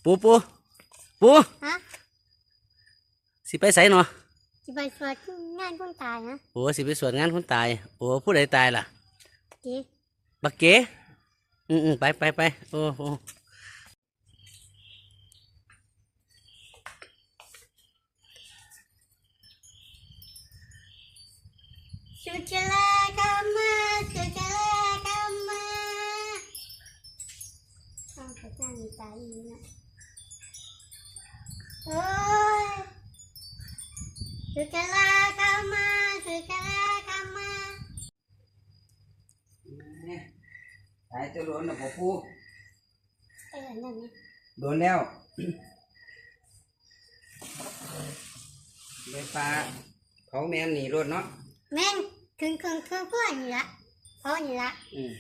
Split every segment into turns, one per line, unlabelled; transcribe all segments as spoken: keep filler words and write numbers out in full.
ปูปูปู
ฮะ
สิไปไสเนาะ
สิไปสวดงานคนตายนะ
โอ้สิไปสวดงานคนตายโอ้ผู้ใดตายล่ะ
เก๋
บักเก๋อืมอืมไปไปไปโอ้โห
สุจลากรรมาสุจลากรรมาต้องไปจ้างตายอีกนะโอ้ยสุจลากรรมาสุจลากรรมา
ตายจะโดนนะพ่อปู
เออนั่นนี่
โดนแล้วไปปลาเขาแม่นหนีรถเนาะ
แม่งถึงเครื่องเครื่องพ่อนี่ละพ่อนี่ละ
อืม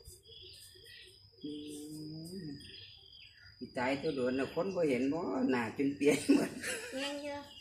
ตายจะโดนนะคนบ่เห็นบ่หน้าจนเปียกหมด
แม่งเยอะ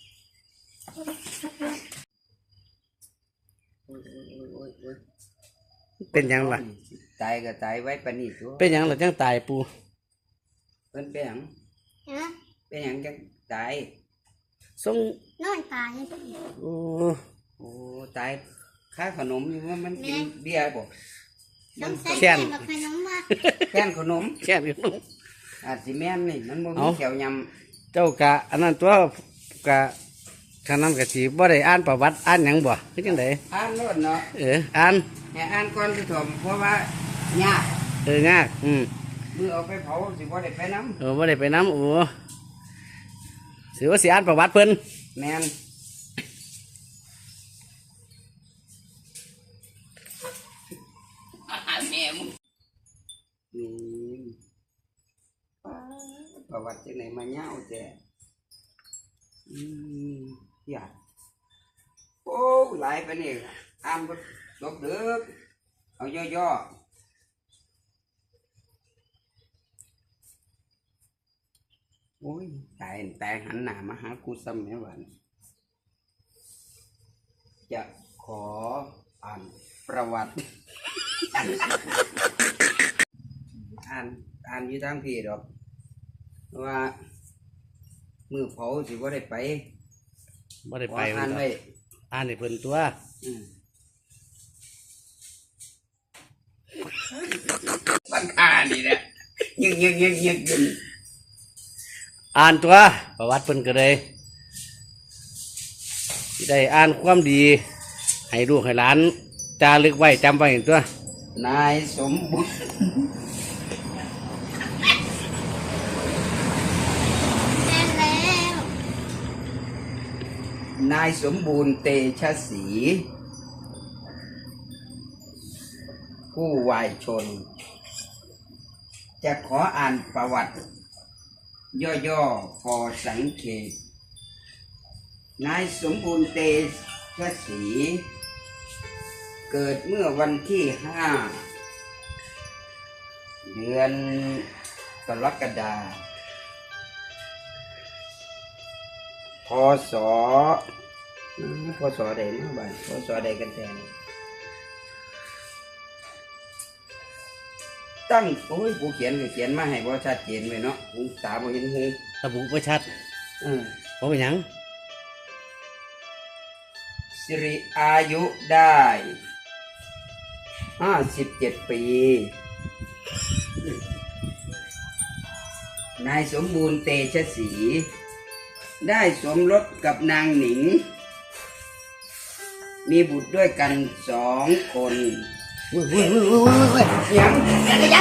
เป็นยังล่ะ
ตายก็ตายไว้ปานนี้ตัว
เป็นยังล่ะจังตายปู
เพิ่นเป็นหยัง
ฮะ
เป็นหยังจังตาย
ส่ง
นอนตาย
โอ้
โอ้ตายค่าขนมอยู่ว่ามันกินเบียร์บ่
ต้องใส่แค่นขนมมา
แค่นขนม
แค่นขนม
อาจสิแม่นนี่มันบ่มีแถวย
ำเจ้ากะอันนั้นตัวกะขนาดกะสิบ่ได้อ่านประวัติอ่านหยังบ่คือจังได๋
อ่านโลดเนาะ
เอออ่าน
ให้อ่านก่อนสิถมเพราะว่ายาก
เออยากอืม
มือเอาไปเผาสิบ่ได้ไปนำ
เออบ่ได้ไปนำโอ้สิว่าสิอ่านประวัติเพิ่น
แม่นแม่มึงนี่ประวัติจังไหนมาเงาแจ้อืมอยากโอ้หลายไปนี่อ่านบ่จบเด้อเอาย่อๆโอ้ยตายตายหันหน้ามาหากูซ้ำแม่หวานจะขออ่านประวัติอ่านอ่านอยู่ทางพี่ดอกว่ามือเผาสิว่าได้ไป
บ่ได้ไป
อ่านไว้
อ่านให้เพิ่นตัว
บังคานี่แหละยึกยึกยึกยึกยึก
อ่านตัวประวัติเพิ่นก็ได้สิได้อ่านความดีให้ลูกให้หลานจารึกไว้จำไว้ตัวน
ายสมบูรณ์นายสมบูรณ์เตชะศรีผู้วายชนจะขออ่านประวัติย่อๆพอสังเกตนายสมบูรณ์เตชะศรีเกิดเมื่อวันที่ห้าเดือนกรกฎาคมพศพศใดนะบ้านพศใดกันแทนตั้งโอ้ยกูเขียนก็เขียนมาให้บ่ชัดเจนเลยเนาะหูตาบ่เห็นหู
ระบุบ่ชัด
เออ
บ่เป็นหยัง
สิริอายุได้ห้าสิบเจ็ดปีนายสมบูรณ์เตชะศรีได้สมรสกับนางหนิงมีบุตรด้วยกันสองคน
เว้ยเว้ยเว้ยเว้ยเว้ย
ยังยังยัง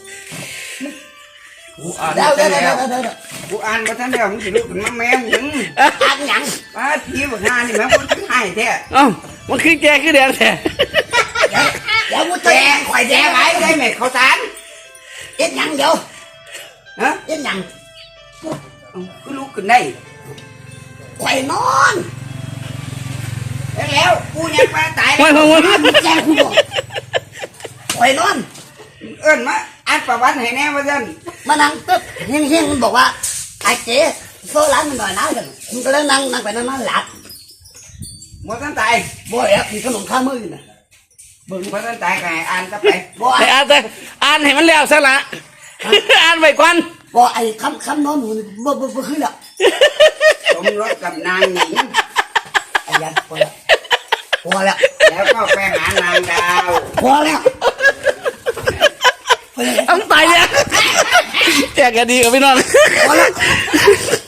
กูอ่านมาแล้วกูอ่านมาท่านแล้วมึงสิลุกขึ้นมาแม่มึง
อ่านยัง
ป้าทีบอกงานนี่แม่กูทั้งให้แท้
เอ้ามันคือแกคือแดงแท้
เดี๋ยวกูแจกข่อยแจกไว้ได้ไหมข้าวสาร
เอ็ดยังเดี๋ยว
ฮะ
เอ็ดยัง
กูลุกขึ้นได้
ข่อยนอน
แล้วกูยังมาตาย
แล้ว
แจ้งกูบอกข่อยนอน
เอิ้นมาอ่านประวัติให้แน่ว่าซั่น
มานั่งตึ๊บเฮียงๆมันบอกว่าไอ้เจ๊โซลันมันหน่อยนะกันมันก็เลยนั่งนั่งไปนั่งนั่งหลับ
หมดตั้งตาย
บ่อยอ่ะมีขนมข้าวมืออยู่นะ
เบิ่งหมดตั้งตายก็ให้อ่านซะไป
บ่อ่านแต่อ่านให้มันแล้วซะละอ่านไว้ก่อน
บอกไอ้คำคำนอนหนูนี่บ่บ่บ่ขึ้นแล้ว
สมรสกับนางหญิง
ไอ้ยันพอแล้วพอแล้ว
แล้วก็ไปหานางดาว
พอแล้วพอแล้ว
ต้องไปเนี่ยแจกกันดีกับพี่น้อง
พอแล้ว